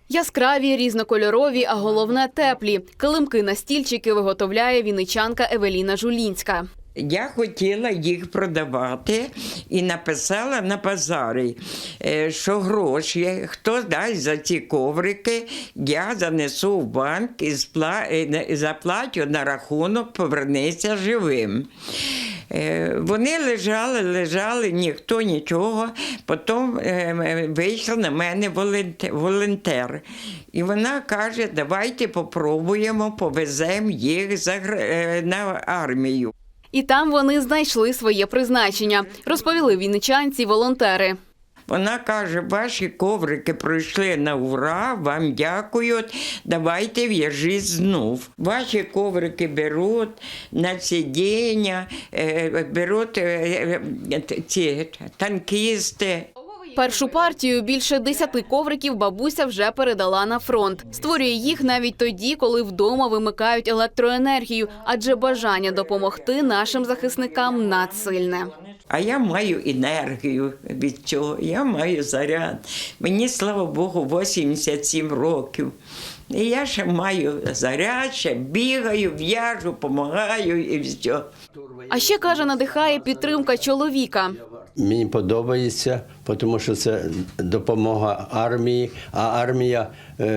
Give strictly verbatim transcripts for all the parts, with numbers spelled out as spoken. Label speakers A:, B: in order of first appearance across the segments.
A: Яскраві, різнокольорові, а головне – теплі. Килимки на стільчики виготовляє вінничанка Евеліна Жулінська.
B: Я хотіла їх продавати і написала на базарі, що гроші, хто дасть за ці коврики, я занесу в банк і заплатю на рахунок «Повернися живим». Вони лежали, лежали, ніхто нічого. Потім вийшла на мене волонтер. І вона каже, давайте попробуємо, повеземо їх на армію.
A: І там вони знайшли своє призначення, розповіли вінничанці-волонтери.
B: Вона каже, ваші коврики пройшли на ура, вам дякують, давайте в'яжіть знов. Ваші коврики беруть на сидіння, беруть ці танкісти.
A: Першу партію, більше десяти ковриків, бабуся вже передала на фронт. Створює їх навіть тоді, коли вдома вимикають електроенергію, адже бажання допомогти нашим захисникам надсильне.
B: А я маю енергію від цього, я маю заряд. Мені, слава Богу, вісімдесят сім років. І я ще маю заряд, ще бігаю, в'яжу, допомагаю і все.
A: А ще, каже, надихає підтримка чоловіка.
C: Мені подобається, тому що це допомога армії, а армія,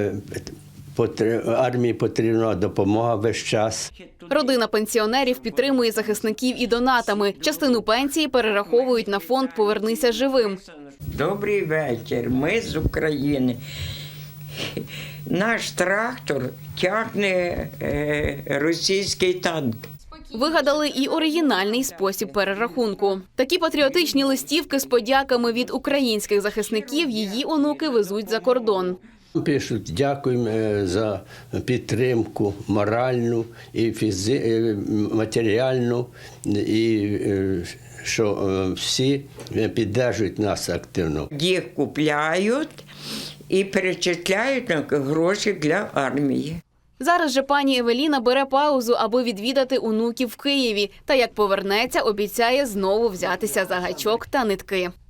C: армії потрібна допомога весь час.
A: Родина пенсіонерів підтримує захисників і донатами. Частину пенсії перераховують на фонд «Повернися живим».
B: Добрий вечір, ми з України. Наш трактор тягне російський танк.
A: Вигадали і оригінальний спосіб перерахунку. Такі патріотичні листівки з подяками від українських захисників її онуки везуть за кордон.
C: Пишуть, дякуємо за підтримку моральну, і фізи... матеріальну, і що всі підтримують нас активно.
B: Їх купляють і перечисляють на гроші для армії.
A: Зараз же пані Евеліна бере паузу, аби відвідати онуків в Києві. Та як повернеться, обіцяє знову взятися за гачок та нитки.